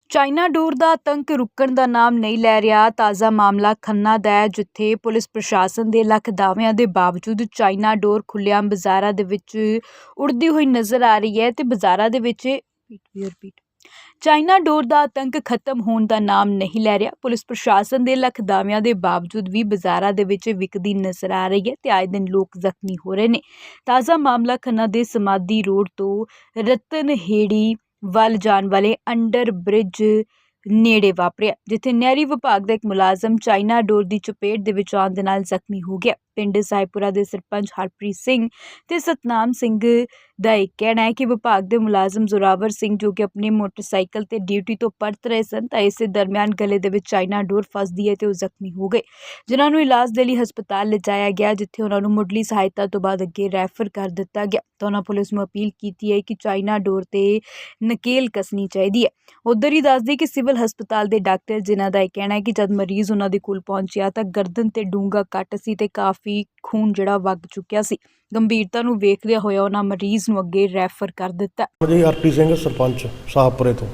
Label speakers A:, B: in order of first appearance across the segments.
A: China ਡੋਰ ਦਾ ਆਤੰਕ ਰੁਕਣ ਦਾ ਨਾਮ ਨਹੀਂ ਲੈ ਰਿਹਾ। ਤਾਜ਼ਾ ਮਾਮਲਾ ਖੰਨਾ ਦਾ ਹੈ, ਜਿੱਥੇ ਪੁਲਿਸ ਪ੍ਰਸ਼ਾਸਨ ਦੇ ਲੱਖ ਦਾਅਵਿਆਂ ਦੇ ਬਾਵਜੂਦ ਚਾਈਨਾ ਡੋਰ ਖੁੱਲ੍ਹੇਆਮ ਬਾਜ਼ਾਰਾਂ ਦੇ ਵਿੱਚ ਉੜਦੀ ਹੋਈ ਨਜ਼ਰ ਆ ਰਹੀ ਹੈ ਤੇ ਬਾਜ਼ਾਰਾਂ ਦੇ ਵਿੱਚ ਚਾਈਨਾ ਡੋਰ ਦਾ ਆਤੰਕ ਖਤਮ ਹੋਣ ਦਾ ਨਾਮ ਨਹੀਂ ਲੈ ਰਿਹਾ। ਪੁਲਿਸ ਪ੍ਰਸ਼ਾਸਨ ਦੇ ਲੱਖ ਦਾਅਵਿਆਂ ਦੇ ਬਾਵਜੂਦ ਵੀ ਬਾਜ਼ਾਰਾਂ ਦੇ ਵਿੱਚ ਵਿਕਦੀ ਨਜ਼ਰ ਆ ਰਹੀ ਹੈ ਤੇ ਆਏ ਦਿਨ ਲੋਕ ਜ਼ਖਮੀ ਹੋ ਰਹੇ ਨੇ। ਤਾਜ਼ਾ ਮਾਮਲਾ ਖੰਨਾ ਦੇ ਸਮਾਧੀ ਰੋਡ ਤੋਂ ਰਤਨਹੇੜੀ ਵੱਲ ਜਾਣ ਵਾਲੇ ਅੰਡਰ ਬ੍ਰਿਜ ਨੇੜੇ ਵਾਪਰਿਆ, ਜਿੱਥੇ ਨਹਿਰੀ ਵਿਭਾਗ ਦਾ ਇੱਕ ਮੁਲਾਜ਼ਮ ਚਾਈਨਾ ਡੋਰ ਦੀ ਚਪੇਟ ਦੇ ਵਿੱਚ ਆਉਣ ਦੇ ਨਾਲ ਜ਼ਖਮੀ ਹੋ ਗਿਆ। ਪਿੰਡ ਸਾਹਿਬਪੁਰਾ ਦੇ ਸਰਪੰਚ ਹਰਪ੍ਰੀਤ ਸਿੰਘ ਤੇ ਸਤਨਾਮ ਸਿੰਘ ਦਾ ਇਹ ਕਹਿਣਾ ਹੈ ਕਿ ਵਿਭਾਗ ਦੇ ਮੁਲਾਜ਼ਮ ਜ਼ੋਰਾਵਰ ਸਿੰਘ, ਜੋ ਕਿ ਆਪਣੇ ਮੋਟਰਸਾਈਕਲ ਤੇ ਡਿਊਟੀ ਤੋਂ ਪਰਤ ਰਹੇ ਸਨ, ਤਾਂ ਇਸੇ ਦਰਮਿਆਨ ਗਲੇ ਦੇ ਵਿੱਚ ਚਾਈਨਾ ਡੋਰ ਫਸਦੀ ਹੈ ਤੇ ਉਹ ਜ਼ਖਮੀ ਹੋ ਗਏ, ਜਿਨ੍ਹਾਂ ਨੂੰ ਇਲਾਜ ਦੇ ਲਈ ਹਸਪਤਾਲ ਲਿਜਾਇਆ ਗਿਆ, ਜਿੱਥੇ ਉਹਨਾਂ ਨੂੰ ਮੁੱਢਲੀ ਸਹਾਇਤਾ ਤੋਂ ਬਾਅਦ ਅੱਗੇ ਰੈਫਰ ਕਰ ਦਿੱਤਾ ਗਿਆ। ਤਾਂ ਉਹਨਾਂ ਪੁਲਿਸ ਨੂੰ ਅਪੀਲ ਕੀਤੀ ਹੈ ਕਿ ਚਾਈਨਾ ਡੋਰ ਤੇ ਨਕੇਲ ਕੱਸਣੀ ਚਾਹੀਦੀ ਹੈ। ਉੱਧਰ ਹੀ ਦੱਸਦੀ ਕਿ ਸਿਵਲ ਹਸਪਤਾਲ ਦੇ ਡਾਕਟਰ, ਜਿਨ੍ਹਾਂ ਦਾ ਇਹ ਕਹਿਣਾ ਹੈ ਕਿ ਜਦ ਮਰੀਜ਼ ਉਹਨਾਂ ਦੇ ਕੋਲ ਪਹੁੰਚਿਆ ਤਾਂ ਗਰਦਨ ਤੇ ਡੂੰਘਾ ਕੱਟ ਸੀ ਤੇ ਕਾਫੀ ਖੂਨ ਜਿਹੜਾ ਵਗ ਚੁੱਕਿਆ ਸੀ। ਗੰਭੀਰਤਾ ਨੂੰ ਵੇਖਦਿਆਂ ਹੋਇਆ ਉਹਨਾਂ ਮਰੀਜ਼ ਨੂੰ ਅੱਗੇ ਰੈਫਰ ਕਰ ਦਿੱਤਾ।
B: ਜੀ ਹਰਪ੍ਰੀਤ ਸਿੰਘ, ਸਰਪੰਚ ਸਾਹਪੁਰੇ ਤੋਂ।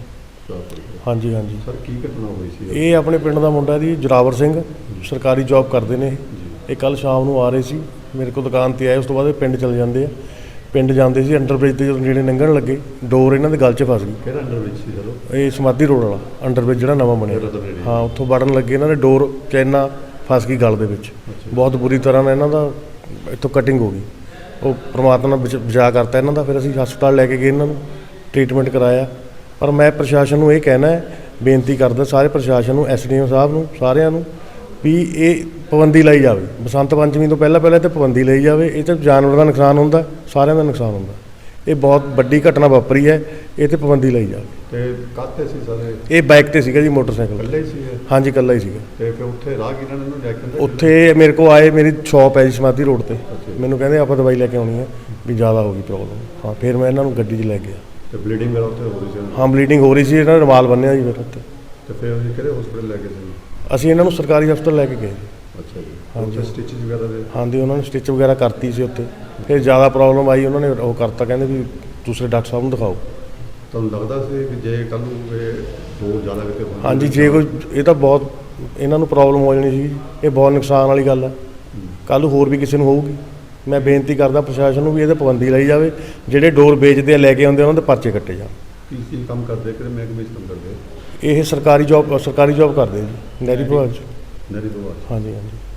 B: ਹਾਂਜੀ
C: ਸਰ, ਕੀ ਘਟਨਾ ਹੋਈ ਸੀ?
B: ਇਹ ਆਪਣੇ ਪਿੰਡ ਦਾ ਮੁੰਡਾ ਜੀ, ਜ਼ੋਰਾਵਰ ਸਿੰਘ, ਸਰਕਾਰੀ ਜੌਬ ਕਰਦੇ ਨੇ। ਇਹ ਕੱਲ ਸ਼ਾਮ ਨੂੰ ਆ ਰਹੇ ਸੀ ਮੇਰੇ ਕੋਲ, ਦੁਕਾਨ ਤੇ ਆਏ। ਉਸ ਤੋਂ ਬਾਅਦ ਇਹ ਪਿੰਡ ਚਲੇ ਜਾਂਦੇ ਆ। ਪਿੰਡ ਜਾਂਦੇ ਸੀ, ਅੰਡਰ ਬ੍ਰਿਜ ਦੇ ਜਦੋਂ ਨੇੜੇ ਲੰਘਣ ਲੱਗੇ, ਡੋਰ ਇਹਨਾਂ ਦੇ ਗਲ 'ਚ ਫਸ ਗਈ।
C: ਕਿਹੜਾ ਅੰਡਰ ਬ੍ਰਿਜ ਸੀ ਸਰ?
B: ਇਹ ਸਮਾਧੀ ਰੋਡ ਵਾਲਾ ਅੰਡਰ ਬ੍ਰਿਜ ਜਿਹੜਾ ਨਵਾਂ ਬਣਿਆ। ਹਾਂ, ਉੱਥੋਂ ਵੜਨ ਲੱਗੇ ਇਹਨਾਂ ਦੇ ਡੋਰ ਚੈਨਾ ਫਸ ਗਈ ਗਲ ਦੇ ਵਿੱਚ। ਬਹੁਤ ਬੁਰੀ ਤਰ੍ਹਾਂ ਨਾਲ ਇਹਨਾਂ ਦਾ ਇੱਥੋਂ ਕਟਿੰਗ ਹੋ ਗਈ। ਉਹ ਪਰਮਾਤਮਾ ਨੇ ਬਚਾ ਕਰਤਾ ਇਹਨਾਂ ਦਾ। ਫਿਰ ਅਸੀਂ ਹਸਪਤਾਲ ਲੈ ਕੇ ਗਏ, ਇਹਨਾਂ ਨੂੰ ਟ੍ਰੀਟਮੈਂਟ ਕਰਾਇਆ। ਪਰ ਮੈਂ ਪ੍ਰਸ਼ਾਸਨ ਨੂੰ ਇਹ ਕਹਿਣਾ ਹੈ, ਬੇਨਤੀ ਕਰਦਾ ਸਾਰੇ ਪ੍ਰਸ਼ਾਸਨ ਨੂੰ, ਐਸਡੀਐਮ ਸਾਹਿਬ ਨੂੰ, ਸਾਰਿਆਂ ਨੂੰ, ਵੀ ਇਹ ਪਾਬੰਦੀ ਲਾਈ ਜਾਵੇ। ਬਸੰਤ ਪੰਚਮੀ ਤੋਂ ਪਹਿਲਾਂ ਤੇ ਪਾਬੰਦੀ ਲਈ ਜਾਵੇ। ਇਹ 'ਚ ਜਾਨਵਰ ਦਾ ਨੁਕਸਾਨ ਹੁੰਦਾ, ਸਾਰਿਆਂ ਦਾ ਨੁਕਸਾਨ ਹੁੰਦਾ। ਇਹ ਬਹੁਤ ਵੱਡੀ ਘਟਨਾ ਵਾਪਰੀ ਹੈ, ਇਹ 'ਤੇ ਪਾਬੰਦੀ ਲਈ ਜਾਵੇ।
C: ਤੇ ਕਾਹਤੇ ਸੀ ਸਾਰੇ?
B: ਇਹ ਬਾਈਕ ਤੇ ਸੀਗਾ ਜੀ, ਮੋਟਰਸਾਈਕਲ
C: ਇਕੱਲੇ ਹੀ ਸੀ? ਹਾਂਜੀ,
B: ਇਕੱਲਾ ਹੀ ਸੀਗਾ।
C: ਤੇ ਫਿਰ ਉੱਥੇ ਰਾਹਗੀਰਾਂ ਨੇ ਇਹਨੂੰ ਲੈ ਕੇ
B: ਉੱਥੇ ਮੇਰੇ ਕੋਲ ਆਏ, ਮੇਰੀ ਸ਼ੌਪ ਹੈ ਜੀ ਸਮਾਧੀ ਰੋਡ ਤੇ। ਮੈਨੂੰ ਕਹਿੰਦੇ ਆਪਾਂ ਦਵਾਈ ਲੈ ਕੇ ਆਉਣੀ ਹੈ, ਵੀ ਜ਼ਿਆਦਾ ਹੋ ਗਈ ਪ੍ਰੋਬਲਮ। ਹਾਂ, ਫਿਰ ਮੈਂ ਇਹਨਾਂ ਨੂੰ ਗੱਡੀ 'ਚ ਲੈ ਗਿਆ।
C: ਤੇ ਬਲੀਡਿੰਗ ਵਗੈਰਾ ਉੱਥੇ ਹੋ ਰਹੀ ਸੀ?
B: ਹਾਂ, ਬਲੀਡਿੰਗ ਹੋ ਰਹੀ ਸੀ। ਇਹਨਾਂ ਨੇ ਰੁਮਾਲ ਬੰਨਿਆ ਜੀ ਫਿਰ ਉੱਥੇ।
C: ਤੇ ਫਿਰ ਅਸੀਂ ਕਿਹੜੇ ਹਸਪੀਟਲ ਲੈ ਕੇ ਗਏ?
B: ਅਸੀਂ ਇਹਨਾਂ ਨੂੰ ਸਰਕਾਰੀ ਹਸਪਤਾਲ ਲੈ ਕੇ ਗਏ ਜੀ।
C: ਅੱਛਾ ਜੀ।
B: ਹਾਂਜੀ,
C: ਸਟਿਚਿੰਗ ਵਗੈਰਾ ਦੇ? ਹਾਂਜੀ,
B: ਉਹਨਾਂ ਨੇ ਸਟਿਚ ਵਗੈਰਾ ਕਰਤੀ ਸੀ ਉੱਥੇ। ਫਿਰ ਜ਼ਿਆਦਾ ਪ੍ਰੋਬਲਮ ਆਈ, ਉਹਨਾਂ ਨੇ ਉਹ ਕਰਤਾ, ਕਹਿੰਦੇ ਵੀ ਦੂਸਰੇ ਡਾਕਟਰ ਸਾਹਿਬ ਨੂੰ ਦਿਖਾਓ।
C: ਤੁਹਾਨੂੰ ਲੱਗਦਾ ਸੀ ਵੀ ਜੇ ਕੱਲ੍ਹ ਨੂੰ ਇਹ ਡੋਰ ਜ਼ਿਆਦਾ ਕਿਤੇ ਹੋਣੀ?
B: ਹਾਂਜੀ, ਜੇ ਕੋਈ ਇਹ ਤਾਂ ਬਹੁਤ ਇਹਨਾਂ ਨੂੰ ਪ੍ਰੋਬਲਮ ਹੋ ਜਾਣੀ ਸੀ। ਇਹ ਬਹੁਤ ਨੁਕਸਾਨ ਵਾਲੀ ਗੱਲ ਹੈ। ਕੱਲ੍ਹ ਨੂੰ ਹੋਰ ਵੀ ਕਿਸੇ ਨੂੰ ਹੋਊਗੀ। ਮੈਂ ਬੇਨਤੀ ਕਰਦਾ ਪ੍ਰਸ਼ਾਸਨ ਨੂੰ ਵੀ ਇਹਦੇ ਪਾਬੰਦੀ ਲਾਈ ਜਾਵੇ। ਜਿਹੜੇ ਡੋਰ ਵੇਚਦੇ ਆ, ਲੈ ਕੇ ਆਉਂਦੇ, ਉਹਨਾਂ ਦੇ ਪਰਚੇ ਕੱਟੇ ਜਾਣ।
C: ਕੀ ਕੰਮ ਕਰਦੇ? ਕਿਹੜੇ ਮਹਿਕਮੇ 'ਚ ਕੰਮ ਕਰਦੇ?
B: ਇਹ ਸਰਕਾਰੀ ਜੌਬ ਕਰਦੇ ਜੀ, ਨਹਿਰੀ ਵਿਭਾਗ 'ਚ।
C: ਨਹਿਰੀ ਵਿਭਾਗ? ਹਾਂਜੀ।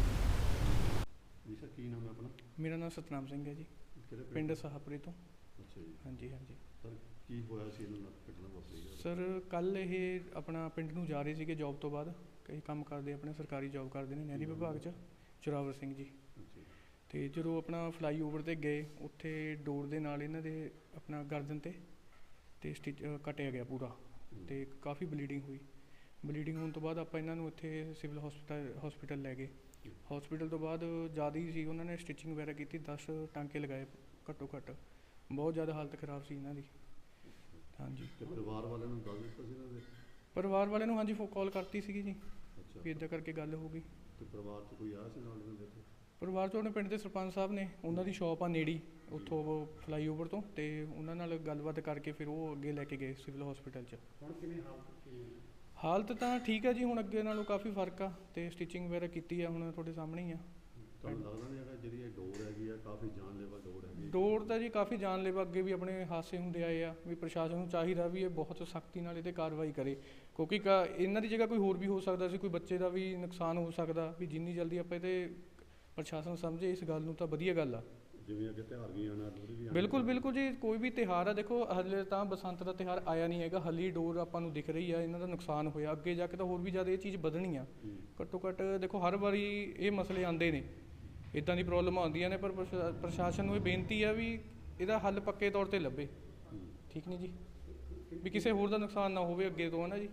D: ਸਰ, ਕੀ ਨਾਮ ਹੈ ਆਪਣਾ? ਮੇਰਾ ਨਾਮ ਸਤਨਾਮ ਸਿੰਘ ਹੈ ਜੀ, ਪਿੰਡ ਸਾਹਪੁਰੇ ਤੋਂ।
C: ਅੱਛਾ ਜੀ।
D: ਹਾਂਜੀ।
C: ਸਰ, ਕੀ ਹੋਇਆ ਸੀ ਇਹਨਾਂ ਨਾਲ ਘਟਨਾ ਵਾਪਰੀ?
D: ਸਰ, ਕੱਲ੍ਹ ਇਹ ਆਪਣਾ ਪਿੰਡ ਨੂੰ ਜਾ ਰਹੇ ਸੀਗੇ ਜੌਬ ਤੋਂ ਬਾਅਦ। ਕਈ ਕੰਮ ਕਰਦੇ, ਆਪਣੇ ਸਰਕਾਰੀ ਜੌਬ ਕਰਦੇ ਨੇ ਨਹਿਰੀ ਵਿਭਾਗ 'ਚ, ਜ਼ੋਰਾਵਰ ਸਿੰਘ ਜੀ। ਅਤੇ ਜਦੋਂ ਆਪਣਾ ਫਲਾਈ ਓਵਰ 'ਤੇ ਗਏ, ਉੱਥੇ ਡੋਰ ਦੇ ਨਾਲ ਇਹਨਾਂ ਦੇ ਆਪਣਾ ਗਰਦਨ 'ਤੇ ਸਟਿਚ ਕੱਟਿਆ ਗਿਆ ਪੂਰਾ, ਅਤੇ ਕਾਫੀ ਬਲੀਡਿੰਗ ਹੋਈ। ਬਲੀਡਿੰਗ ਹੋਣ ਤੋਂ ਬਾਅਦ ਆਪਾਂ ਇਹਨਾਂ ਨੂੰ ਇੱਥੇ ਸਿਵਲ ਹਸਪੀਟਲ ਲੈ ਗਏ। ਹਸਪੀਟਲ ਤੋਂ ਬਾਅਦ ਜ਼ਿਆਦਾ ਹੀ ਸੀ, ਉਹਨਾਂ ਨੇ ਸਟਿਚਿੰਗ ਵਗੈਰਾ ਕੀਤੀ, 10 ਟਾਂਕੇ ਲਗਾਏ ਘੱਟੋ ਘੱਟ। ਬਹੁਤ ਜ਼ਿਆਦਾ ਹਾਲਤ ਖਰਾਬ ਸੀ ਇਹਨਾਂ ਦੀ। ਹਾਂਜੀ।
C: ਪਰਿਵਾਰ ਵਾਲਿਆਂ ਨੂੰ ਦੱਸ ਦਿੱਤਾ ਸੀ ਇਹਨਾਂ ਦੇ?
D: ਪਰਿਵਾਰ ਵਾਲਿਆਂ ਨੂੰ ਹਾਂਜੀ ਕਾਲ ਕਰਤੀ ਸੀਗੀ ਜੀ, ਵੀ ਇੱਦਾਂ ਕਰਕੇ ਗੱਲ ਹੋ ਗਈ।
C: ਤੇ ਪਰਿਵਾਰ 'ਚ ਕੋਈ ਆਇਆ ਸੀ ਨਾਲ ਇਹਨਾਂ ਦੇ?
D: ਪਰਿਵਾਰ 'ਚ ਆਪਣੇ ਪਿੰਡ ਦੇ ਸਰਪੰਚ ਸਾਹਿਬ ਨੇ, ਉਹਨਾਂ ਦੀ ਸ਼ੌਪ ਆ ਨੇੜੀ ਉੱਥੋਂ ਫਲਾਈ ਓਵਰ ਤੋਂ, ਅਤੇ ਉਹਨਾਂ ਨਾਲ ਗੱਲਬਾਤ ਕਰਕੇ ਫਿਰ ਉਹ ਅੱਗੇ ਲੈ ਕੇ ਗਏ ਸਿਵਲ ਹਸਪੀਟਲ 'ਚ।
C: ਹੁਣ ਕਿਵੇਂ
D: ਹਾਲਤ ਤਾਂ ਠੀਕ ਹੈ ਜੀ, ਹੁਣ ਅੱਗੇ ਨਾਲੋਂ ਕਾਫੀ ਫਰਕ ਆ, ਅਤੇ ਸਟਿਚਿੰਗ ਵਗੈਰਾ ਕੀਤੀ ਆ, ਹੁਣ ਤੁਹਾਡੇ ਸਾਹਮਣੇ ਹੀ ਆ।
C: ਤੁਹਾਨੂੰ ਲੱਗਦਾ ਨਹੀਂ ਹੈਗਾ ਜਿਹੜੀ ਇਹ ਡੋਰ ਹੈਗੀ ਆ, ਕਾਫੀ ਜਾਨਲੇਵਾ ਡੋਰ ਹੈਗੀ?
D: ਡੋਰ ਤਾਂ ਜੀ ਕਾਫੀ ਜਾਨਲੇਵਾ, ਅੱਗੇ ਵੀ ਆਪਣੇ ਹਾਦਸੇ ਹੁੰਦੇ ਆਏ ਆ, ਵੀ ਪ੍ਰਸ਼ਾਸਨ ਨੂੰ ਚਾਹੀਦਾ ਵੀ ਇਹ ਬਹੁਤ ਸਖਤੀ ਨਾਲ ਇਹ 'ਤੇ ਕਾਰਵਾਈ ਕਰੇ, ਕਿਉਂਕਿ ਇਹਨਾਂ ਦੀ ਜਗ੍ਹਾ ਕੋਈ ਹੋਰ ਵੀ ਹੋ ਸਕਦਾ ਸੀ, ਕੋਈ ਬੱਚੇ ਦਾ ਵੀ ਨੁਕਸਾਨ ਹੋ ਸਕਦਾ। ਵੀ ਜਿੰਨੀ ਜਲਦੀ ਆਪਾਂ ਇਹਦੇ ਪ੍ਰਸ਼ਾਸਨ ਸਮਝੇ ਇਸ ਗੱਲ ਨੂੰ ਤਾਂ ਵਧੀਆ ਗੱਲ ਆ।
C: ਜਿਵੇਂ ਅੱਗੇ ਤਿਉਹਾਰ ਵੀ ਆਉਣਾ, ਲੋਹੜੀ ਵੀ ਆਉਣੀ।
D: ਬਿਲਕੁਲ ਜੀ, ਕੋਈ ਵੀ ਤਿਉਹਾਰ ਆ, ਦੇਖੋ ਹਲੇ ਤਾਂ ਬਸੰਤ ਦਾ ਤਿਉਹਾਰ ਆਇਆ ਨਹੀਂ ਹੈਗਾ, ਹਲੀ ਡੋਰ ਆਪਾਂ ਨੂੰ ਦਿਖ ਰਹੀ ਆ, ਇਹਨਾਂ ਦਾ ਨੁਕਸਾਨ ਹੋਇਆ। ਅੱਗੇ ਜਾ ਕੇ ਤਾਂ ਹੋਰ ਵੀ ਜ਼ਿਆਦਾ ਇਹ ਚੀਜ਼ ਵਧਣੀ ਆ। ਘੱਟੋ ਘੱਟ ਦੇਖੋ, ਹਰ ਵਾਰੀ ਇਹ ਮਸਲੇ ਆਉਂਦੇ ਨੇ, ਇੱਦਾਂ ਦੀ ਪ੍ਰੋਬਲਮ ਆਉਂਦੀਆਂ ਨੇ, ਪਰ ਪ੍ਰਸ਼ਾਸਨ ਨੂੰ ਇਹ ਬੇਨਤੀ ਆ ਵੀ ਇਹਦਾ ਹੱਲ ਪੱਕੇ ਤੌਰ 'ਤੇ ਲੱਭੇ। ਠੀਕ ਨਹੀਂ ਜੀ, ਵੀ ਕਿਸੇ ਹੋਰ ਦਾ ਨੁਕਸਾਨ ਨਾ ਹੋਵੇ ਅੱਗੇ ਤੋਂ, ਹੈ ਨਾ ਜੀ।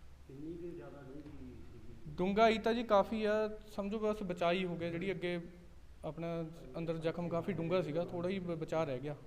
D: ਡੂੰਘਾਈ ਤਾਂ ਜੀ ਕਾਫੀ ਆ, ਸਮਝੋ ਬਸ ਬਚਾਅ ਹੀ ਹੋ ਗਿਆ। ਜਿਹੜੀ ਅੱਗੇ ਆਪਣਾ ਅੰਦਰ ਜ਼ਖਮ ਕਾਫੀ ਡੂੰਘਾ ਸੀਗਾ, ਥੋੜ੍ਹਾ ਹੀ ਬਚਾਅ ਰਹਿ ਗਿਆ।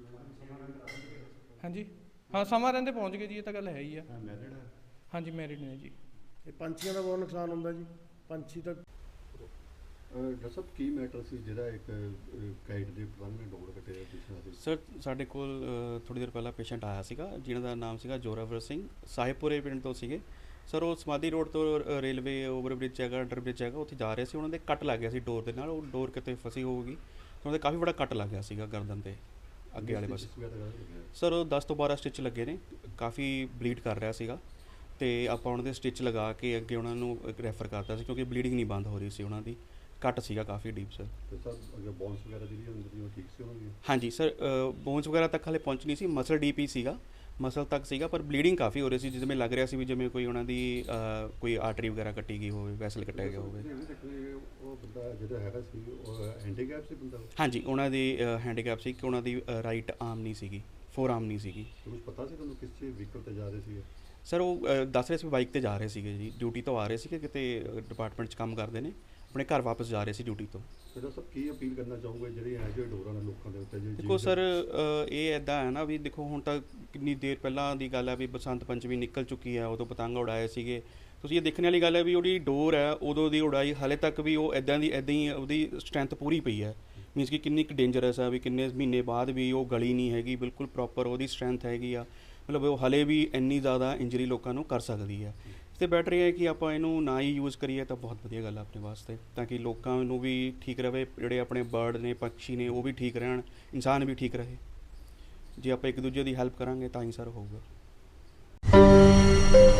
D: ਹਾਂਜੀ, ਹਾਂ, ਸਮਾਂ ਰਹਿੰਦੇ ਪਹੁੰਚ ਗਏ ਜੀ, ਇਹ ਤਾਂ ਗੱਲ ਹੈ ਹੀ ਆ। ਹਾਂਜੀ, ਮੈਰਿਡ ਨੇ ਜੀ।
B: ਇਹ ਪੰਛੀਆਂ ਦਾ ਬਹੁਤ ਨੁਕਸਾਨ ਹੁੰਦਾ ਜੀ। ਪੰਛੀ ਤਾਂ
C: ਡਾਕਟਰ ਸਾਹਿਬ ਕੀ ਮੈਟਰ ਸੀ ਜਿਹੜਾ ਇੱਕ ਕਾਈਟ ਦੇ ਪਲੰਗ ਨੇ ਡੋਰ ਕੱਟਿਆ ਪਿਛਲਾ ਸੀ?
E: ਸਰ ਸਾਡੇ ਕੋਲ ਥੋੜ੍ਹੀ ਦੇਰ ਪਹਿਲਾਂ ਪੇਸ਼ੈਂਟ ਆਇਆ ਸੀਗਾ ਜਿਨ੍ਹਾਂ ਦਾ ਨਾਮ ਸੀਗਾ ਜੋਰਾਵਰ ਸਿੰਘ, ਸਾਹਿਬਪੁਰੇ ਪਿੰਡ ਤੋਂ ਸੀਗੇ। ਸਰ ਉਹ ਸਮਾਧੀ ਰੋਡ ਤੋਂ ਰੇਲਵੇ ਓਵਰਬ੍ਰਿਜ ਹੈਗਾ, ਅੰਡਰ ਬ੍ਰਿਜ ਹੈਗਾ, ਉੱਥੇ ਜਾ ਰਹੇ ਸੀ। ਉਹਨਾਂ ਦੇ ਕੱਟ ਲੱਗ ਗਿਆ ਸੀ ਡੋਰ ਦੇ ਨਾਲ, ਉਹ ਡੋਰ ਕਿਤੇ ਫਸੀ ਹੋਊਗੀ। ਉਹਨਾਂ ਦੇ ਕਾਫੀ ਬੜਾ ਕੱਟ ਲੱਗ ਗਿਆ ਸੀਗਾ ਗਰਦਨ 'ਤੇ ਅੱਗੇ ਵਾਲੇ ਪਾਸੇ। ਸਰ ਉਹ 10 ਤੋਂ 12 ਸਟਿਚ ਲੱਗੇ ਨੇ, ਕਾਫੀ ਬਲੀਡ ਕਰ ਰਿਹਾ ਸੀਗਾ ਅਤੇ ਆਪਾਂ ਉਹਨਾਂ ਦੇ ਸਟਿਚ ਲਗਾ ਕੇ ਅੱਗੇ ਉਹਨਾਂ ਨੂੰ ਰੈਫਰ ਕਰਤਾ ਸੀ ਕਿਉਂਕਿ ਬਲੀਡਿੰਗ ਨਹੀਂ ਬੰਦ ਹੋ ਰਹੀ ਸੀ, ਉਹਨਾਂ ਦੀ ਕੱਟ ਸੀਗਾ ਕਾਫੀ ਡੀਪ ਸਰ।
C: ਤੇ ਸਰ ਅੱਗੇ ਬੋਨਸ ਵਗੈਰਾ ਜਿਹੜੀ ਅੰਦਰ ਦੀ ਉਹ ਠੀਕ ਸੀ ਉਹਨਾਂ ਦੀ?
E: ਹਾਂਜੀ ਸਰ, ਬੋਨਸ ਵਗੈਰਾ ਤੱਕ ਹਾਲੇ ਪਹੁੰਚ ਨਹੀਂ ਸੀ, ਮਸਲ ਡੀਪ ਹੀ ਸੀਗਾ, ਮਸਲ ਤੱਕ ਸੀਗਾ, ਪਰ ਬਲੀਡਿੰਗ ਕਾਫੀ ਹੋ ਰਹੀ ਸੀ, ਜਿਵੇਂ ਲੱਗ ਰਿਹਾ ਸੀ ਵੀ ਜਿਵੇਂ ਕੋਈ ਉਹਨਾਂ ਦੀ ਕੋਈ ਆਰਟਰੀ ਵਗੈਰਾ ਕੱਟੀ ਗਈ ਹੋਵੇ, ਵੈਸਲ ਕੱਟਿਆ ਗਿਆ ਹੋਵੇ।
C: ਉਹ ਬੰਦਾ ਜਿਹੜਾ ਹੈਗਾ ਸੀ ਉਹ ਹੈਂਡੀਕੈਪ ਸੀ ਬੰਦਾ?
E: ਹਾਂਜੀ, ਉਹਨਾਂ ਦੀ ਹੈਂਡੀਕੈਪ ਸੀ ਕਿ ਉਹਨਾਂ ਦੀ ਰਾਈਟ ਆਰਮ ਨਹੀਂ ਸੀਗੀ, ਫੋਰ ਆਰਮ ਨਹੀਂ ਸੀਗੀ।
C: ਤੁਹਾਨੂੰ ਪਤਾ ਸੀ ਤੁਹਾਨੂੰ ਕਿਸ ਚੀਜ਼ ਵਹੀਕਲ ਤੇ ਜਾ ਰਹੇ ਸੀ?
E: ਸਰ ਉਹ ਦੱਸ ਰਹੇ ਸੀ ਬਾਈਕ ਤੇ ਜਾ ਰਹੇ ਸੀਗੇ ਜੀ, ਡਿਊਟੀ ਤੋਂ ਆ ਰਹੇ ਸੀਗੇ, ਕਿਤੇ ਡਿਪਾਰਟਮੈਂਟ 'ਚ ਕੰਮ ਕਰਦੇ ਨੇ, ਆਪਣੇ ਘਰ ਵਾਪਸ ਜਾ ਰਹੇ ਸੀ ਡਿਊਟੀ ਤੋਂ।
C: ਫਿਰ ਸਭ ਕੀ ਅਪੀਲ ਕਰਨਾ ਚਾਹੋਗੇ ਜਿਹੜੇ ਇਹੋ ਜਿਹੇ ਡੋਰਾਂ ਨੇ ਲੋਕਾਂ ਦੇ ਉੱਤੇ?
E: ਦੇਖੋ ਸਰ, ਇਹ ਇੱਦਾਂ ਹੈ ਨਾ ਵੀ ਦੇਖੋ ਹੁਣ ਤਾਂ ਕਿੰਨੀ ਦੇਰ ਪਹਿਲਾਂ ਦੀ ਗੱਲ ਹੈ ਵੀ ਬਸੰਤ ਪੰਚਮੀ ਨਿਕਲ ਚੁੱਕੀ ਹੈ, ਉਦੋਂ ਪਤੰਗ ਉਡਾਏ ਸੀਗੇ। ਤੁਸੀਂ ਇਹ ਦੇਖਣ ਵਾਲੀ ਗੱਲ ਹੈ ਵੀ ਉਹਦੀ ਡੋਰ ਹੈ ਉਦੋਂ ਦੀ ਉਡਾਈ ਹਾਲੇ ਤੱਕ ਵੀ ਉਹ ਇੱਦਾਂ ਹੀ ਉਹਦੀ ਸਟਰੈਂਥ ਪੂਰੀ ਪਈ ਹੈ। ਮੀਨਸ ਕਿ ਕਿੰਨੀ ਕੁ ਡੇਂਜਰਸ ਹੈ ਵੀ ਕਿੰਨੇ ਮਹੀਨੇ ਬਾਅਦ ਵੀ ਉਹ ਗਲੀ ਨਹੀਂ ਹੈਗੀ, ਬਿਲਕੁਲ ਪ੍ਰੋਪਰ ਉਹਦੀ ਸਟਰੈਂਥ ਹੈਗੀ ਆ। ਮਤਲਬ ਉਹ ਹਲੇ ਵੀ ਇੰਨੀ ਜ਼ਿਆਦਾ ਇੰਜਰੀ ਲੋਕਾਂ ਨੂੰ ਕਰ ਸਕਦੀ ਹੈ। ਅਤੇ ਬੈਟਰ ਇਹ ਹੈ ਕਿ ਆਪਾਂ ਇਹਨੂੰ ਨਾ ਹੀ ਯੂਜ਼ ਕਰੀਏ ਤਾਂ ਬਹੁਤ ਵਧੀਆ ਗੱਲ ਹੈ ਆਪਣੇ ਵਾਸਤੇ, ਤਾਂ ਕਿ ਲੋਕਾਂ ਨੂੰ ਵੀ ਠੀਕ ਰਹੇ, ਜਿਹੜੇ ਆਪਣੇ ਬਰਡ ਨੇ, ਪੰਛੀ ਨੇ, ਉਹ ਵੀ ਠੀਕ ਰਹਿਣ, ਇਨਸਾਨ ਵੀ ਠੀਕ ਰਹੇ। ਜੇ ਆਪਾਂ ਇੱਕ ਦੂਜੇ ਦੀ ਹੈਲਪ ਕਰਾਂਗੇ ਤਾਂ ਹੀ ਸਰ ਹੋਊਗਾ।